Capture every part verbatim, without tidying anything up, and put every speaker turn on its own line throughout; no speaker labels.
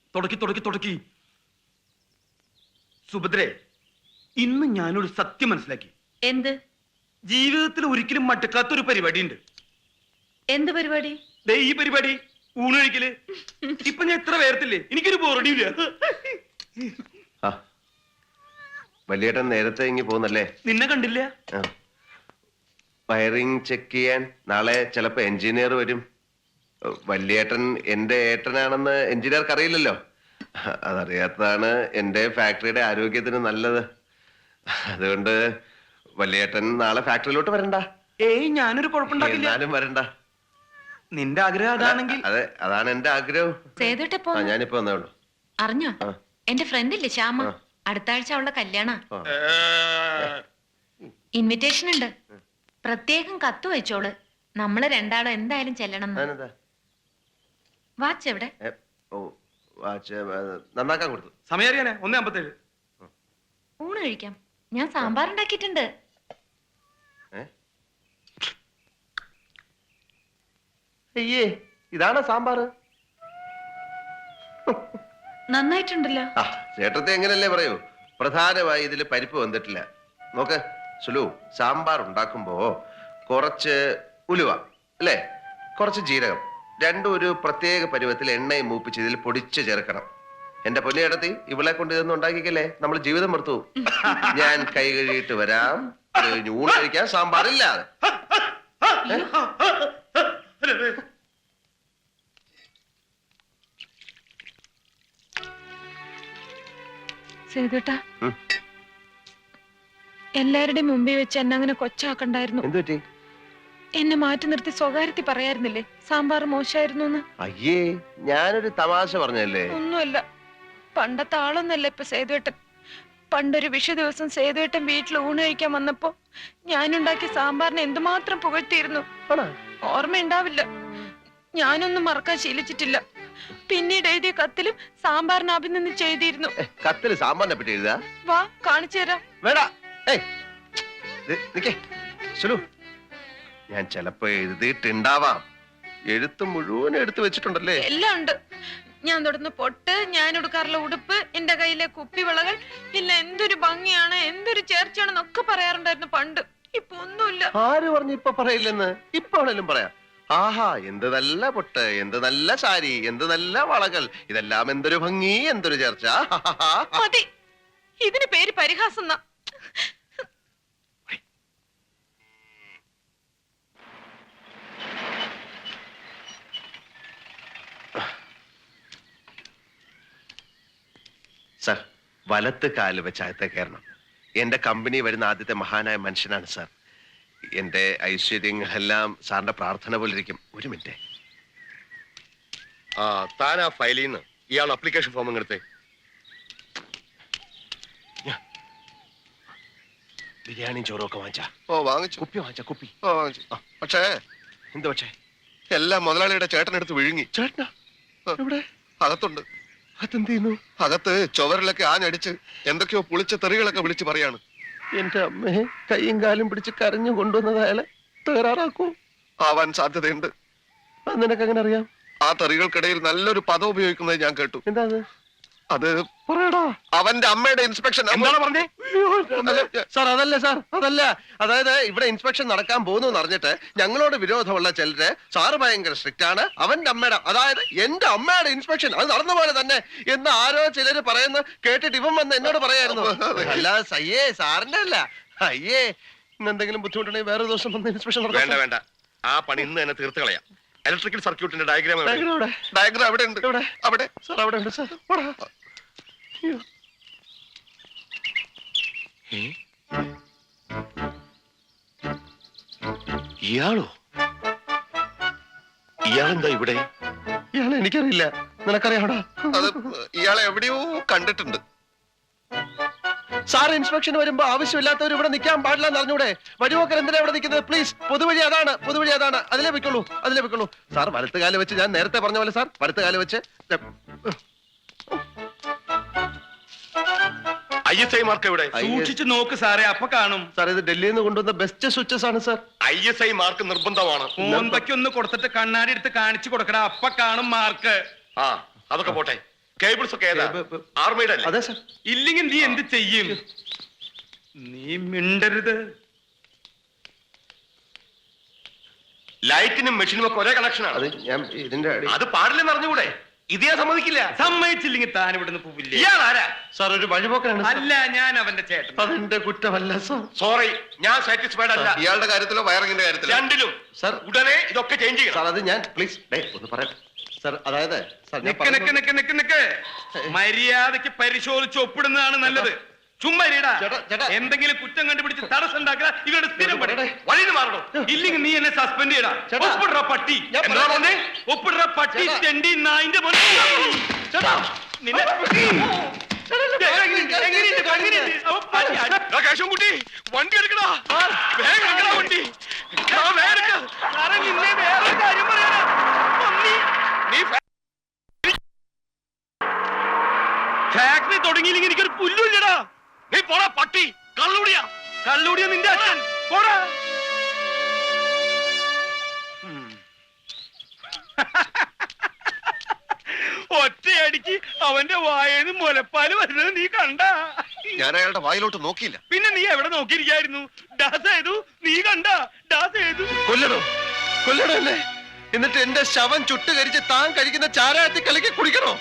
തുടക്കി തുടക്കി തുടക്കി. സുഭദ്രേ, ഇന്ന് ഞാനൊരു സത്യം മനസ്സിലാക്കി.
എന്ത്?
ജീവിതത്തിൽ ഒരിക്കലും മടുക്കാത്തൊരു പരിപാടി ഉണ്ട്.
എന്ത് പരിപാടി?
ദേ ഈ പരിപാടി, ഊണൊഴിക്കല്. ഇപ്പൊ ഞാൻ എത്ര പേർത്തില്ലേ, എനിക്കൊരു ബോറടിയില്ല.
വലിയേട്ടൻ നേരത്തെ ഇങ്ങി പോകുന്നല്ലേ?
നിന്നെ കണ്ടില്ല.
വയറിംഗ് ചെക്ക് ചെയ്യാൻ നാളെ ചിലപ്പോ എഞ്ചിനീയർ വരും. വലിയേട്ടൻ എന്റെ ഏട്ടനാണെന്ന് എഞ്ചിനീയർക്ക് അറിയില്ലല്ലോ. അതറിയാത്തതാണ് എന്റെ ഫാക്ടറിയുടെ ആരോഗ്യത്തിന് നല്ലത്. അതുകൊണ്ട് വലിയേട്ടൻ നാളെ ഫാക്ടറിയിലോട്ട് വരണ്ട.
ഏയ്, ഞാനൊരു കുഴപ്പമുണ്ടാക്കില്ല.
എന്നാലും വരണ്ട.
നിന്റെ ആഗ്രഹം അതാണെങ്കിൽ.
അതെ, അതാണ് എന്റെ ആഗ്രഹം. ഞാനിപ്പോ വന്നേ ഉള്ളൂ.
അറിഞ്ഞോ, എന്റെ ഫ്രണ്ട് ഇല്ലേ ശ്യാമ, അടുത്ത ആഴ്ച അവളുടെ കല്യാണ. ഇൻവിറ്റേഷൻ ഉണ്ട്. പ്രത്യേകം കത്ത് വെച്ചോള്. നമ്മള് രണ്ടാളും എന്തായാലും ചെല്ലണം. വാച്ച് എവിടെ?
നന്നാക്കാൻ കൊടുത്തു.
സമയം അറിയാനേ, ഒന്നേ അമ്പത്തേഴ്.
ഊണ് കഴിക്കാം. ഞാൻ സാമ്പാർ ഉണ്ടാക്കിയിട്ടുണ്ട്.
അയ്യേ, ഇതാണോ സാമ്പാർ?
നന്നായിട്ടുണ്ടല്ലോ.
ചേട്ടത്തെ എങ്ങനല്ലേ പറയൂ. പ്രധാനമായി ഇതില് പരിപ്പ് വന്നിട്ടില്ല. നോക്ക് സുലു, സാമ്പാർ ഉണ്ടാക്കുമ്പോ കുറച്ച് ഉലുവ അല്ലേ, കുറച്ച് ജീരകം, രണ്ടും ഒരു പ്രത്യേക പരുവത്തിൽ എണ്ണയും മൂപ്പിച്ച് ഇതിൽ പൊടിച്ച് ചേർക്കണം. എന്റെ പൊന്നിയിടത്തി, ഇവളെ കൊണ്ട് ഇതൊന്നും ഉണ്ടാക്കിക്കല്ലേ, നമ്മൾ ജീവിതം മറുത്തു. ഞാൻ കൈ കഴുകിയിട്ട് വരാം. ഊണ് കഴിക്കാൻ സാമ്പാറില്ലാതെ.
സേതുട്ടാ, എല്ലാവരുടെയും മുമ്പിൽ വെച്ച് എന്നെ അങ്ങനെ കൊച്ചാക്കണ്ടായിരുന്നു.
എന്തുപറ്റി?
എന്നെ മാറ്റി നിർത്തി സ്വകാര്യത്തിൽ പറയായിരുന്നില്ലേ സാമ്പാർ മോശമായിരുന്നു?
അയ്യേ, ഞാനൊരു തമാശ പറഞ്ഞല്ലേ.
ഒന്നുമല്ല. പണ്ടത്തെ ആളൊന്നല്ല ഇപ്പൊ സേതുവേട്ടൻ. പണ്ടൊരു വിഷു ദിവസം സേതുവേട്ടൻ വീട്ടിൽ ഊണ് കഴിക്കാൻ വന്നപ്പോ ഞാനുണ്ടാക്കിയ സാമ്പാറിനെ എന്തുമാത്രം പുകഴ്ത്തിയിരുന്നു. ഓർമ്മയുണ്ടാവില്ല. ഞാനൊന്നും മറക്കാൻ ശീലിച്ചിട്ടില്ല. പിന്നീട് എഴുതിയ കത്തിലും സാമ്പാറിന് അഭിനന്ദിച്ച് എഴുതിയിരുന്നു.
കത്തില് സാമ്പാറിനെ പറ്റി എഴുതാ?
വാ, കാണിച്ചു തരാം.
വേടാ. ഞാൻ ചിലപ്പോ എഴുതിയിട്ടുണ്ടാവാം. എഴുത്ത് മുഴുവൻ എടുത്തു വെച്ചിട്ടുണ്ടല്ലേ?
എല്ലാം ഉണ്ട്. ഞാൻ തൊടുന്ന പൊട്ട്, ഞാൻ എടുക്കാറുള്ള ഉടുപ്പ്, എന്റെ കയ്യിലെ കുപ്പിവിളകൾ, ഇല്ല എന്തൊരു ഭംഗിയാണ്, എന്തൊരു ചേർച്ചയാണെന്നൊക്കെ പറയാറുണ്ടായിരുന്നു പണ്ട്. ഇപ്പൊ ഒന്നുമില്ല.
ആര് പറഞ്ഞു ഇപ്പൊ പറയില്ലെന്ന്? ഇപ്പൊ ആണെങ്കിലും പറയാം. ആഹാ, എന്ത് നല്ല പൊട്ട്, എന്ത് നല്ല സാരി, എന്ത് നല്ല വളകൾ, ഇതെല്ലാം എന്തൊരു ഭംഗി, എന്തൊരു ചേർച്ച.
മതി, ഇതിന് പേര് പരിഹാസം.
സർ, വലത്ത് കാല് വെച്ച് അകത്തെ കയറണം. എന്റെ കമ്പനി വരുന്ന ആദ്യത്തെ മഹാനായ മനുഷ്യനാണ് സാർ. എന്റെ ഐശ്വര്യങ്ങളെല്ലാം സാറിന്റെ പ്രാർത്ഥന പോലിരിക്കും. ഒരു മിനിറ്റ്.
ആ താൻ ആ ഫയലിൽ നിന്ന് ഇയാൾ അപ്ലിക്കേഷൻ ഫോം എടുത്തേ.
ബിരിയാണിയും ചോറും ഒക്കെ വാങ്ങിച്ചാ?
ഓ വാങ്ങിച്ചു.
കുപ്പി വാങ്ങിച്ച? കുപ്പി
ഓ വാങ്ങിച്ചു. പക്ഷേ
എന്ത് പക്ഷേ?
എല്ലാം മുതലാളിയുടെ ചേട്ടനെടുത്ത് വിഴുങ്ങി.
ചേട്ടനാ? എവിടെ?
അകത്തുണ്ട്.
അതെന്ത് ചെയ്യുന്നു?
അകത്ത് ചുവരിലൊക്കെ ആഞ്ഞടിച്ച് എന്തൊക്കെയോ പുളിച്ച തെറികളൊക്കെ വിളിച്ച് പറയാണ്.
എന്റെ അമ്മയെ കൈയും കാലും പിടിച്ച് കരഞ്ഞു കൊണ്ടുവന്നത് അയാളെ തകരാറാക്കൂ?
ആവാൻ സാധ്യതയുണ്ട്.
അത് നിനക്ക് എങ്ങനെ അറിയാം?
ആ തെറികൾക്കിടയിൽ നല്ലൊരു പദം ഉപയോഗിക്കുന്നത് ഞാൻ കേട്ടു.
എന്താ അത്?
അത്
പറയടാ.
അവന്റെ അമ്മയുടെ ഇൻസ്പെക്ഷൻ.
എന്താണ് പറഞ്ഞേ? സാർ അതല്ല സാർ, അതല്ല. അതായത് ഇവിടെ ഇൻസ്പെക്ഷൻ നടക്കാൻ പോകുന്നു എന്ന് അറിഞ്ഞിട്ട് ഞങ്ങളോട് വിരോധമുള്ള ചിലര് സാറ് ഭയങ്കര സ്ട്രിക്റ്റ് ആണ്, അവന്റെ അമ്മയുടെ, അതായത് എന്റെ അമ്മയുടെ ഇൻസ്പെക്ഷൻ അത് നടന്ന പോലെ തന്നെ എന്ന് ആരോ ചിലര് പറയുന്ന കേട്ടിട്ട് ഇവൻ വന്ന് എന്നോട് പറയായിരുന്നു. അല്ലാതെ സയ്യേ സാറിന്റെ അല്ല. അയ്യേ, ഇന്ന് എന്തെങ്കിലും ബുദ്ധിമുട്ടുണ്ടെങ്കിൽ വേറെ ദിവസം വന്ന് ഇൻസ്പെക്ഷൻ നടത്താം.
വേണ്ട വേണ്ട, ആ പണി ഇന്ന് തന്നെ തീർത്ത് കളയാം. ഇലക്ട്രിക്കൽ സർക്യൂട്ടിന്റെ ഡയഗ്രാം
ഡയഗ്രാം
അവിടെ ഉണ്ട്. അവിടെ
സാർ അവിടെ ഉണ്ട് സാർ.
ഇയാളോ? ഇയാളെന്താ ഇവിടെ?
ഇയാളെ എനിക്കറിയില്ല, നിനക്കറിയാടാ?
അത് ഇയാളെ എവിടെയോ കണ്ടിട്ടുണ്ട്.
സാർ ഇൻസ്പെക്ഷൻ വരുമ്പോ ആവശ്യമില്ലാത്തവർ ഇവിടെ നിൽക്കാൻ പാടില്ല എന്ന് അറിഞ്ഞൂടെ? വഴിപോക്കർ എന്തിനാ ഇവിടെ നിൽക്കുന്നത്? പ്ലീസ്, പൊതുവഴി അതാണ്, പൊതുവഴി അതാണ്, അതിലേ വെക്കുള്ളൂ, അതിലേ വെക്കുള്ളൂ. സാർ വലത്ത് കാല് വെച്ച്, ഞാൻ നേരത്തെ പറഞ്ഞ പോലെ സാർ വലത്ത് കാല് വെച്ച്.
ഐ എസ് ഐ മാർക്ക് എവിടെ?
സൂക്ഷിച്ചു നോക്ക് സാറേ, അപ്പൊ കാണും.
സാർ ഇത് ഡൽഹിയിൽ നിന്ന് കൊണ്ടുവന്ന ബെസ്റ്റ് സ്വിച്ചസ് ആണ് sir.
I S I mark നിർബന്ധമാണ്.
മോന്തയ്ക്ക് ഒന്ന് കൊടുത്തിട്ട് കണ്ണാടി എടുത്ത് കാണിച്ചു കൊടുക്കടാ, അപ്പൊ കാണും മാർക്ക്.
ആ അതൊക്കെ പോട്ടെ,
കേബിൾസ് ഒക്കെ ഏതാ?
കേബിൾ-
ആർമിയുടെ അല്ലേ?
അതെ സാർ. ഇല്ലെങ്കിൽ നീ എന്ത് ചെയ്യും? നീ മിണ്ടരുത്.
ലൈറ്റിനും മെഷീനും ഒക്കെ ഒരേ കണക്ഷനാണ്.
അത് ഞാൻ ഇതിന്റെ അടി-
അത് പാടില്ലെന്ന് അറിഞ്ഞുകൂടെ? ഇത് ഞാൻ സമ്മതിക്കില്ല.
സമ്മതിച്ചില്ലെങ്കിൽ താൻ ഇവിടുന്ന് പോവില്ലേ?
ഇയാൾ ആരാ?
സാർ ഒരു വഴിപോക്കാണ് സാർ.
അല്ല, ഞാൻ അവന്റെ ചേട്ടൻ.
അതെന്റെ കുറ്റമല്ല സാർ.
സോറി, ഞാൻ സാറ്റിസ്ഫൈഡ് അല്ല.
ഇയാളുടെ കാര്യത്തിലോ വയറിങ്ങിന്റെ കാര്യത്തിലോ?
രണ്ടിലും.
സാർ
ഉടനെ ഇതൊക്കെ ചേഞ്ച് ചെയ്യണം.
സാർ അത് ഞാൻ പ്ലീസ് ഡേ ഒന്ന് പറയാം സാർ. അതായത് സാർ ഞാൻ
നിക്ക് നിക്ക് നിക്ക് നിക്ക് നിക്ക് മര്യാദക്ക് പരിശോധിച്ച് ഒപ്പിടുന്നതാണ് നല്ലത്. ചുമ്മാ ഇരിടാ.
ചേട്ടാ, ചേട്ടാ.
എന്തെങ്കിലും കുറ്റം കണ്ടുപിടിച്ച് തടസ്സം ഉണ്ടാക്കുക ഇവരുടെ സ്ഥിരം പണി.
പറയട്ടെ.
വഴിന്ന് മാറണം.
ഇല്ലെങ്കിൽ നീ എന്നെ സസ്പെൻഡ് ചെയ്യടാ.
ചേട്ടാ.
ഒപ്പിടുற പട്ടി.
ഞാൻ
എന്താ
പറയാം.
പറഞ്ഞേ?
ഒപ്പിടുற പട്ടി
ചേട്ടാ.
തെണ്ടി നായിന്റെ മോനെ.
ചേട്ടാ.
നിന്നെ എങ്ങനെയുണ്ട്? എങ്ങനെയുണ്ട്? എങ്ങനെയുണ്ട്? അവൻ പട്ടി അടി-
എടാ കേശവൻകുട്ടി, വണ്ടി എടുക്കടാ. വേഗം എടുക്കടാ വണ്ടി. എടാ, വേഗം എടുക്ക്.
സാറേ, നിന്നെ വേറൊരു കാര്യം പറയാനാ. പന്നി.
നീ ഫാ-
ഫാക്ടറി തുടങ്ങിയില്ലെങ്കിൽ എനിക്കൊരു പുല്ലുമില്ലടാ.
നീ പോടാ പട്ടി, കള്ളുടിയാ.
കള്ളൂടിയ നിന്റെ അച്ഛൻ. പോടാ. ഒറ്റയടിക്ക് അവന്റെ വായേന്ന് മുലപ്പാല് വരുന്നത് നീ കണ്ട?
ഞാൻ അയാളുടെ വായിലോട്ട് നോക്കിയില്ല.
പിന്നെ നീ എവിടെ നോക്കിയിരിക്കായിരുന്നു? ഡാസ് ചെയ്തു. നീ കണ്ട? ഡാസ് ചെയ്തു.
കൊല്ലണോ കൊല്ലണോ എന്നെ? എന്നിട്ട് എന്റെ ശവം ചുട്ട് കരിച്ച് താൻ കഴിക്കുന്ന ചാരായത്തിൽ കലക്കി കുടിക്കണോ?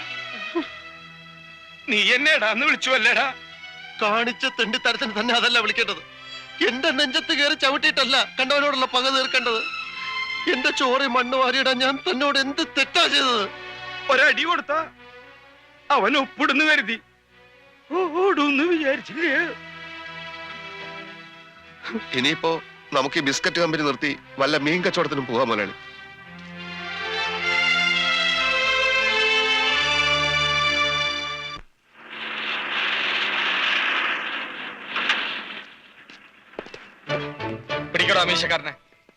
നീ എന്നെ എടാന്ന് വിളിച്ചു അല്ലേടാ?
കാണിച്ച തെണ്ടിത്തരത്തിന് തന്നെ അതല്ല വിളിക്കേണ്ടത്. എന്റെ നെഞ്ചത്ത് കയറി ചവിട്ടിയിട്ടല്ല കണ്ടവനോടുള്ള പക തീർക്കേണ്ടത്. എന്റെ ചോറി മണ്ണ് വാരിയിടാൻ ഞാൻ തന്നോട് എന്ത് തെറ്റാ ചെയ്തത്?
ഒരടി കൊടുത്ത അവൻ ഒപ്പിടുന്നു കരുതി ഓടുന്ന് വിചാരിച്ചില്ലേ?
ഇനിയിപ്പോ നമുക്ക് ഈ ബിസ്ക്കറ്റ് കമ്പനി നിർത്തി വല്ല മീൻ കച്ചവടത്തിനും പോകാൻ മുതലാളി.
പിടിക്കടോ അമീശക്കാരനെ.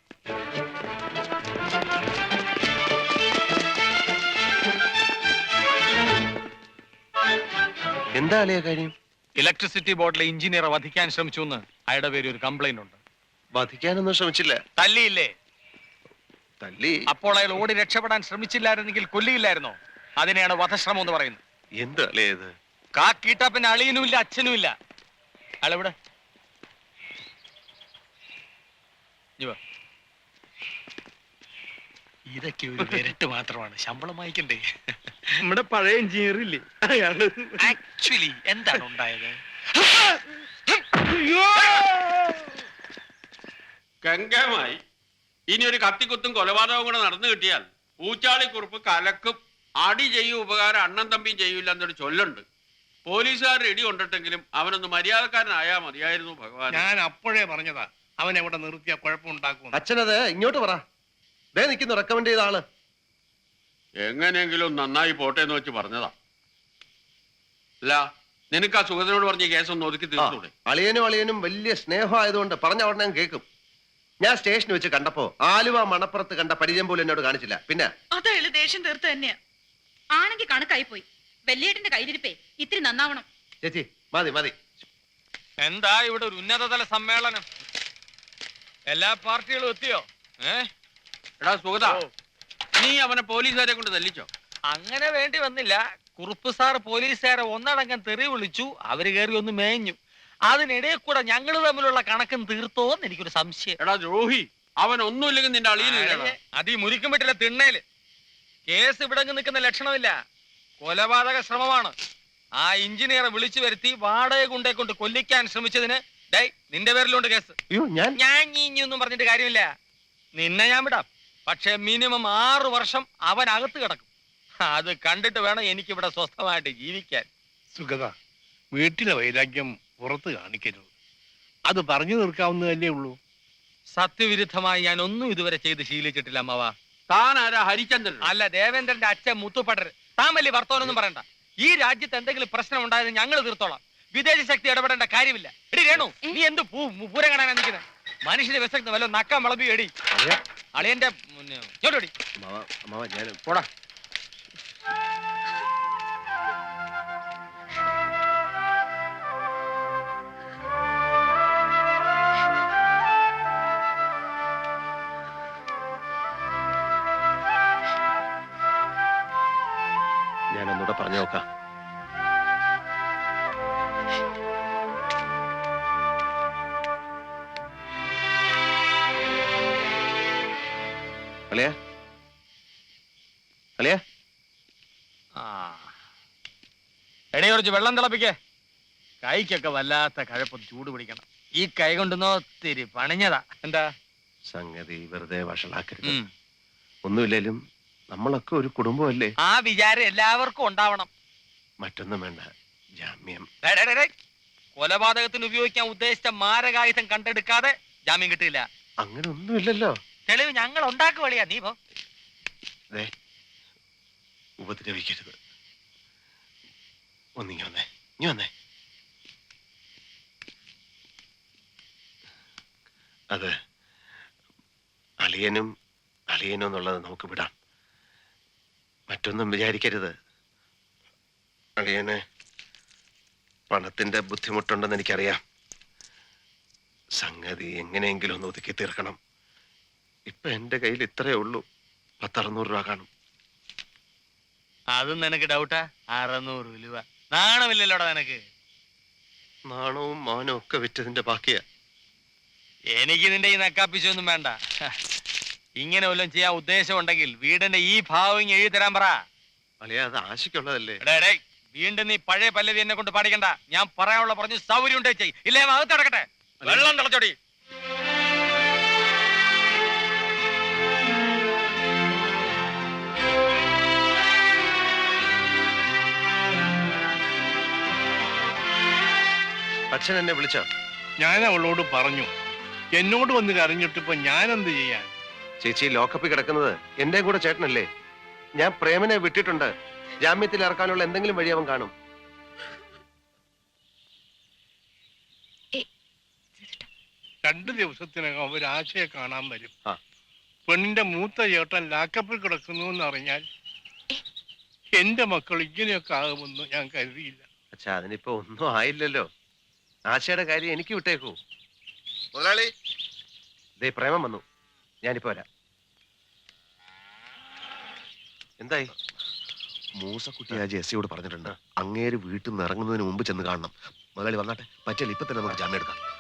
എന്താ അളിയ കാര്യം?
ഇലക്ട്രിസിറ്റി ബോർഡിലെ എഞ്ചിനീയറെ വധിക്കാൻ ശ്രമിച്ചു എന്ന് അയാളുടെ പേര് ഒരു കംപ്ലൈന്റ് ഉണ്ട്.
വധിക്കാനൊന്നും ശ്രമിച്ചില്ല.
തല്ലിയില്ലേ?
തല്ലി.
അപ്പോൾ അയാൾ ഓടി രക്ഷപ്പെടാൻ ശ്രമിച്ചില്ലായിരുന്നെങ്കിൽ കൊല്ലിയില്ലായിരുന്നോ? അതിനെയാണ് വധശ്രമം എന്ന് പറയുന്നത്.
എന്ത് അളിയ ഇത്?
കാക്കീട്ട പിന്നെ അളിയനും ഇല്ല അച്ഛനും ഇല്ല. അയാളെവിടെ? ഇഞ്ഞി വാ. ഇതൊക്കെ ഒരു വിരട്ട് മാത്രമാണ്, ശമ്പളം വായിക്കണ്ടേ?
നമ്മുടെ പഴയ എഞ്ചിനീയർ ഇല്ലേ അയാള്?
ആക്ച്വലി എന്താണ് ഉണ്ടായത്?
അയ്യോ!
ഗംഗമായി ഇനി ഒരു കത്തിക്കുത്തും കൊലപാതകവും കൂടെ നടന്നു കിട്ടിയാൽ ഊച്ചാളിക്കുറുപ്പ് കലക്കും. അടി ചെയ്യും ഉപകാരം അണ്ണൻ തമ്പിയും ചെയ്യൂല എന്നൊരു ചൊല്ലുണ്ട്. പോലീസുകാർ ഇടി കൊണ്ടിട്ടെങ്കിലും അവനൊന്ന് മര്യാദക്കാരനായാ മതിയായിരുന്നു ഭഗവാൻ.
ഞാൻ അപ്പോഴേ പറഞ്ഞതാ അവൻ എവിടെ നിർത്തിയ കുഴപ്പമുണ്ടാക്കും.
അച്ഛനത് ഇങ്ങോട്ട് പറ. ദേ നിൽക്കുന്നു റെക്കമെൻഡ് ചെയ്ത ആള്.
എങ്ങനെയെങ്കിലും നന്നായി പോട്ടെ എന്ന് വെച്ച് പറഞ്ഞതാ. അല്ല, നിനക്ക് ആ സുഗതനോട് പറഞ്ഞ ഈ കേസൊന്ന് ഒതുക്കി
ആ,
തീർത്തൂടെ?
അളിയനും അളിയനും വലിയ സ്നേഹമായതുകൊണ്ട് പറഞ്ഞ ഉടനെ ഞാൻ കേൾക്കും. ഞാൻ സ്റ്റേഷനിൽ വെച്ച് കണ്ടപ്പോ ആലുവ മണപ്പുറത്ത് കണ്ട പരിചയം പോലും എന്നോട് കാണിച്ചില്ല. പിന്നെ
അതയാള് ദേഷ്യം തീർത്ത് തന്നെയാ.
ആണെങ്കിൽ കണക്കായി പോയി. വെള്ളിയേട്ടന്റെ കയ്യിരിപ്പേ ഇത്തിരി നന്നാവണം.
ചേച്ചി മതി മതി.
എന്താ ഇവിടെ ഒരു ഉന്നതതല സമ്മേളനം? എല്ലാ പാർട്ടികളും എത്തിയോ? ഏ
എടാ സുഗത, നീ അവനെ പോലീസുകാരെ കൊണ്ട് തല്ലിച്ചോ?
അങ്ങനെ വേണ്ടി വന്നില്ല. കുറുപ്പ് സാർ പോലീസുകാരെ ഒന്നടങ്കം തെറി വിളിച്ചു. അവര് കയറി ഒന്ന് മേഞ്ഞു. അതിനിടയിൽ കൂടെ ഞങ്ങൾ തമ്മിലുള്ള കണക്കും തീർത്തോന്ന് എനിക്കൊരു സംശയം.
എടാ ദ്രോഹി, അവൻ ഒന്നുമില്ലെങ്കിൽ നിന്റെ അളിയനില്ല.
അത് ഈ മുരിക്കും പറ്റില്ല തിണ്ണേല്. കേസ് ഇവിടെ നിൽക്കുന്ന ലക്ഷണമില്ല. കൊലപാതക ശ്രമമാണ്. ആ എഞ്ചിനീയറെ വിളിച്ചു വരുത്തി വാടക കൊണ്ടേ കൊണ്ട് കൊല്ലിക്കാൻ ശ്രമിച്ചതിന് ഡേ നിന്റെ പേരിലുണ്ട് കേസ്.
അയ്യോ ഞാൻ
ഞാൻ ഇനിയൊന്നും പറഞ്ഞിട്ട് കാര്യമില്ല. നിന്നെ ഞാൻ വിടാം. പക്ഷെ മിനിമം ആറു വർഷം അവൻ അകത്ത് കിടക്കും. അത് കണ്ടിട്ട് വേണം എനിക്കിവിടെ സ്വസ്ഥമായിട്ട് ജീവിക്കാൻ.
സുഗത, വീട്ടിലെ വൈരാഗ്യം പുറത്ത് കാണിക്കരുത്. അത് പറഞ്ഞു തീർക്കാവുന്നതല്ലേ ഉള്ളൂ.
സത്യവിരുദ്ധമായി ഞാൻ ഒന്നും ഇതുവരെ ചെയ്ത് ശീലിച്ചിട്ടില്ല അമ്മവ.
താൻ ആരാ? ഹരിചന്ദ്രൻ?
അല്ല, ദേവേന്ദ്രന്റെ അച്ഛൻ മുത്തുപടർ. താൻ വലിയ വർത്തമാനൊന്നും പറയണ്ട. ഈ രാജ്യത്ത് എന്തെങ്കിലും പ്രശ്നം ഉണ്ടായത് ഞങ്ങൾ തീർത്തോളാം. വിദേശ ശക്തി ഇടപെടേണ്ട കാര്യമില്ല. എടി രേണു, നീ എന്ത് പൂ പൂരം കാണാൻ നിൽക്കുന്നത്? മനുഷ്യന്റെ വിശക്കുന്ന വല്ല നക്കം വിളമ്പി എടി. അളിയന്റെ ചോട്ടോടി
അമ്മാവ, അമ്മാവ, ഞാൻ
പോടാ.
ഞാൻ ഒന്നുകൂടെ പറഞ്ഞു നോക്കാം. അളിയ അളിയ
ആ എടേ കുറച്ച് വെള്ളം തിളപ്പിക്കേ. കൈക്കൊക്കെ വല്ലാത്ത കഴപ്പം ചൂട് പിടിക്കണം. ഈ കൈ കൊണ്ടുന്നോ ഒത്തിരി പണിഞ്ഞതാ. എന്താ
സംഗതി വെറുതെ വഷളാക്കരുത്.
ഉം.
ഒന്നുമില്ലേലും നമ്മളൊക്കെ ഒരു കുടുംബമല്ലേ.
ആ വിചാരം എല്ലാവർക്കും ഉണ്ടാവണം.
മറ്റൊന്നും വേണ്ട, ജാമ്യം.
ഡേ, ഡേ, ഡേ, ഡേ. കൊലപാതകത്തിന് ഉപയോഗിക്കാൻ ഉദ്ദേശിച്ച മാരകായുധം കണ്ടെടുക്കാതെ ജാമ്യം കിട്ടില്ല.
അങ്ങനെ ഒന്നുമില്ലല്ലോ.
തെളിവ് ഞങ്ങൾ ഉണ്ടാക്കുവളിയാ. നീ പോ.
ദേ, ഉപദ്രവിക്കരുത്. ഒന്നിങ്ങി വന്നേ, ഇനി വന്നേ. അത് അളിയനും അളിയനും എന്നുള്ളത് നമുക്ക് വിടാം. മറ്റൊന്നും വിചാരിക്കരുത്. അളിയന് പണത്തിന്റെ ബുദ്ധിമുട്ടുണ്ടെന്ന് എനിക്കറിയാം. സംഗതി എങ്ങനെയെങ്കിലും ഒന്ന് ഒതുക്കി തീർക്കണം. ഇപ്പൊ എന്റെ കയ്യിൽ ഇത്രയേ ഉള്ളൂ. പത്തറുന്നൂറ് രൂപ കാണും.
അതും നിനക്ക് ഡൗട്ടാ? അറുന്നൂറ് രൂപ നാണമില്ലല്ലോടാ നിനക്ക്.
നാണവും മാനവും ഒക്കെ വിറ്റതിന്റെ ബാക്കിയാ.
എനിക്ക് നിന്റെ ഈ നക്കാപ്പിച്ചൊന്നും വേണ്ട. ഇങ്ങനെ വല്ലതും ചെയ്യാൻ ഉദ്ദേശം ഉണ്ടെങ്കിൽ വീടിന്റെ ഈ ഭാവം ഇങ്ങ് എഴുതി തരാൻ പറ.
അളിയ, അത് ആശയ്ക്കുള്ളതല്ലേ.
എടേ, എടേ, വീണ്ടും നീ പഴയ പല്ലവി എന്നെ കൊണ്ട് പാടിക്കണ്ട. ഞാൻ പറയാനുള്ള പറഞ്ഞു സൗകര്യം ഉണ്ടേ ചെയ്. ഇല്ലേ അകത്ത് കിടക്കട്ടെ. വെള്ളം തിളച്ചോടി.
അച്ഛൻ എന്നെ വിളിച്ചോ?
ഞാൻ അവളോട് പറഞ്ഞു. എന്നോട് വന്ന് കരഞ്ഞിട്ടിപ്പോ ഞാൻ എന്ത് ചെയ്യാൻ?
ചേച്ചി ലോക്കപ്പിൽ കിടക്കുന്നത് എന്റെ കൂടെ ചേട്ടനല്ലേ. ഞാൻ പ്രേമനെ വിട്ടിട്ടുണ്ട്. ജാമ്യത്തിൽ ഇറക്കാനുള്ള എന്തെങ്കിലും വഴി അവൻ കാണും.
രണ്ടു ദിവസത്തിനകം അവരാശയെ കാണാൻ വരും.
ആ.
പെണ്ണിന്റെ മൂത്ത ചേട്ടൻ ലാക്കപ്പിൽ കിടക്കുന്നു എന്നറിഞ്ഞാൽ എന്റെ മക്കൾ ഇങ്ങനെയൊക്കെ ആകുമെന്ന് ഞാൻ കരുതിയില്ല.
അച്ഛാ, അതിനിപ്പോ ഒന്നും ആയില്ലല്ലോ. ആശയുടെ കാര്യം എനിക്ക് വിട്ടേക്കൂ.
മുതലാളി,
ദേ പ്രേമം വന്നു. ഞാനിപ്പോ വരാം. എന്തായി? മൂസക്കുട്ടി ആ ജെസ്സിയോട് പറഞ്ഞിട്ടുണ്ട്, അങ്ങേര് വീട്ടിൽ നിന്ന് ഇറങ്ങുന്നതിന് മുമ്പ് ചെന്ന് കാണണം. മുതലാളി വന്നാട്ടെ. പറ്റില്ല, ഇപ്പൊ തന്നെ നമുക്ക് ജാമ്യം എടുക്കാം.